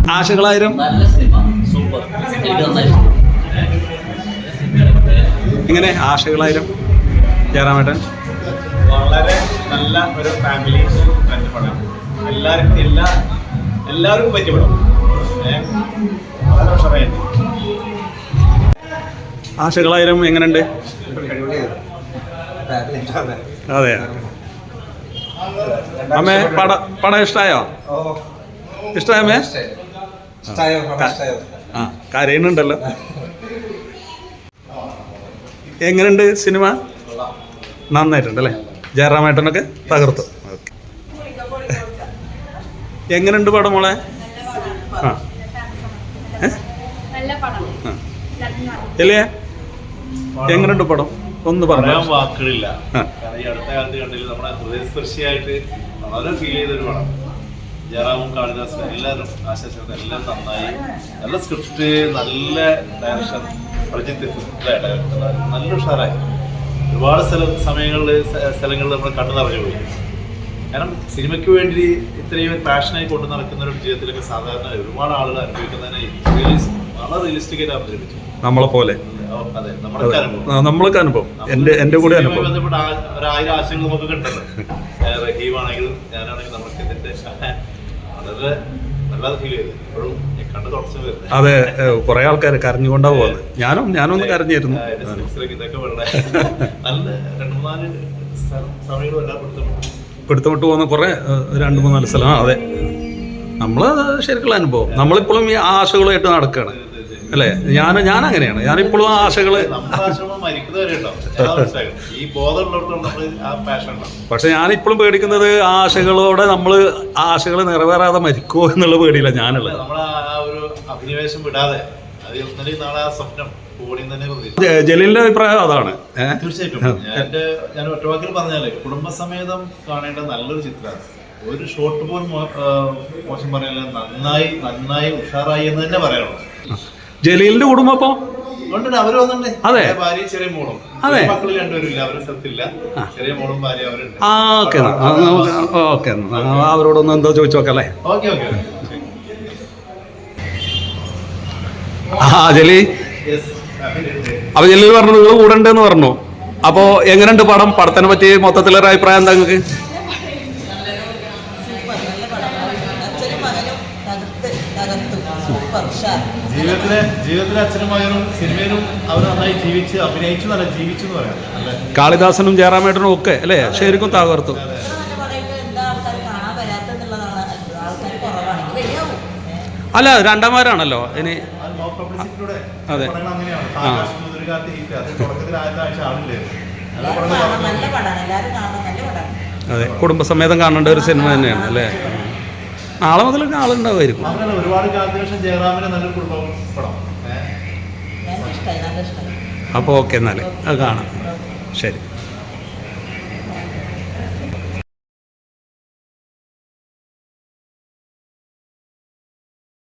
ആശകളായിരം. നല്ല cinema, super. എങ്ങനെ ആശകളായിരം ജയറാമേട്ടൻ? വളരെ നല്ല ഒരു ഫാമിലി പടം. എല്ലാവർക്കും പറ്റിയ പടം. വളരെ ഉഷാറായിരുന്നു. ആശകളായിരം എങ്ങനെയുണ്ട്? അതെ. അമ്മേ പടം ഇഷ്ടമായോ? ഇഷ്ടമായോ അമ്മേ? ആ കരയുന്നുണ്ടല്ലോ. എങ്ങനെയുണ്ട് സിനിമ? നന്നായിട്ടുണ്ടല്ലേ? ജയറാമേട്ടനൊക്കെ തകർത്തു. ഓക്കെ. എങ്ങനെയുണ്ട് പടം മോളെ? ആ അല്ലേ? എങ്ങനെയുണ്ട് പടം? ഒന്ന് പറയാൻ വാക്കുകളില്ല. ഈ അടുത്ത കാലത്ത് കണ്ടില്ല, നമ്മുടെ ഹൃദയസ്പർശിയായിട്ട് വളരെ ഫീൽ ചെയ്തൊരു പടം. ജയറാമും കാളിദാസും എല്ലാവരും ആശാസും എല്ലാം നന്നായി. നല്ല സ്ക്രിപ്റ്റ്, നല്ല ഡയറക്ഷൻ, പ്രജിത്ത് നല്ല ഉഷാറായി. ഒരുപാട് സ്ഥലങ്ങളിൽ നമ്മൾ കണ്ടു നിറഞ്ഞു പോയി. കാരണം സിനിമയ്ക്ക് വേണ്ടി ഇത്രയും പാഷനായി കൊണ്ടു നടക്കുന്ന ഒരു ജീവിതത്തിലൊക്കെ സാധാരണ ഒരുപാട് ആളുകൾ അനുഭവിക്കുന്നതിനെ വളരെ റിയലിസ്റ്റിക് ആയിട്ട് അവതരിപ്പിച്ചു. നമ്മളെ പോലെ നമ്മൾക്ക് അനുഭവം, എന്റെ കൂടെ അനുഭവം. ബന്ധപ്പെട്ട 1000 ആശയങ്ങൾ നമുക്ക് കിട്ടുന്നത്. റഹീമാണെങ്കിലും ഞാനാണെങ്കിലും നമുക്ക് ഇതിന്റെ വളരെ നല്ലത് ഫീൽ ചെയ്തു. ഇപ്പോഴും കണ്ട് തുടച്ചു വരുന്നത്. അതെ, കുറെ ആൾക്കാർ കരഞ്ഞുകൊണ്ടാ പോകുന്നത്. ഞാനൊന്ന് കരഞ്ഞിരുന്നു. ഇതൊക്കെ വളരെ നല്ല 2-3 സമയങ്ങളും എല്ലാം പിടുത്തമിട്ട് പോകുന്ന കുറെ 2-3 സ്ഥലം. അതെ, നമ്മള് ശരിക്കുള്ള അനുഭവം. നമ്മളിപ്പോഴും ഈ ആശകളുമായിട്ട് നടക്കുകയാണ് അല്ലേ? ഞാൻ അങ്ങനെയാണ്. ഞാനിപ്പോഴും ആ ആശകള്, പക്ഷെ ഞാനിപ്പോഴും പേടിക്കുന്നത് ആശകളോടെ ആശകൾ നിറവേറാതെ മരിക്കുമോ എന്നുള്ള പേടിയില്ല ഞാനുള്ളത്. ജലീലിന്റെ അഭിപ്രായം അതാണ്. തീർച്ചയായിട്ടും ഞാൻ ഒറ്റവാക്കിൽ പറഞ്ഞാലേ കുടുംബസമേതം കാണേണ്ട നല്ലൊരു ചിത്രമാണ്. ഒരു ഷോട്ട് പോലും മോശം പറയാനില്ല. നന്നായി ഉഷാറായി എന്ന് തന്നെ പറയണം. ജലീലിന്റെ കുടുംബം അപ്പൊ അവര് വന്നിട്ടുണ്ട്. അതെ, ഭാര്യ ചെറിയ മോളും. അതെ, മക്കള് രണ്ടുപേരില്ല, അവരുടെ സ്ഥലത്തില്ല. ചെറിയ മോളും ഭാര്യ അവരുണ്ട്. ഓക്കെ, അവരോടൊന്ന് എന്തോ ചോദിച്ചു നോക്കല്ലേ? ഓക്കെ. ജലീ അപ്പൊ ജലീൽ പറഞ്ഞു നിങ്ങൾ കൂടെ ഉണ്ടെന്ന് പറഞ്ഞു. അപ്പൊ എങ്ങനെയുണ്ട് പടം? പടത്തിനെ പറ്റി മൊത്തത്തിലൊരു അഭിപ്രായം എന്താ നിങ്ങൾക്ക്? ജീവിതത്തിലെ അച്ഛനും മകനും സിനിമയിലും അവർ നന്നായി അഭിനയിച്ചു എന്ന് പറയാം. കാളിദാസനും ജയറാമേട്ടനും ഒക്കെ അല്ലേ ശരിക്കും തകർത്തു. അല്ല, രണ്ടാമാരാണല്ലോ ഇനി. അതെ, അതെ, കുടുംബസമേതം കാണേണ്ട ഒരു സിനിമ തന്നെയാണ് അല്ലേ? നാളെ മുതലൊക്കെ ആളുണ്ടാവുമായിരിക്കും. ഒരുപാട് കാലത്തിന് ശേഷം ജയറാമിന്റെ നല്ലൊരു കുടുംബം പടം. അപ്പോൾ ഓക്കെ, എന്നാൽ അത് കാണാം. ശരി.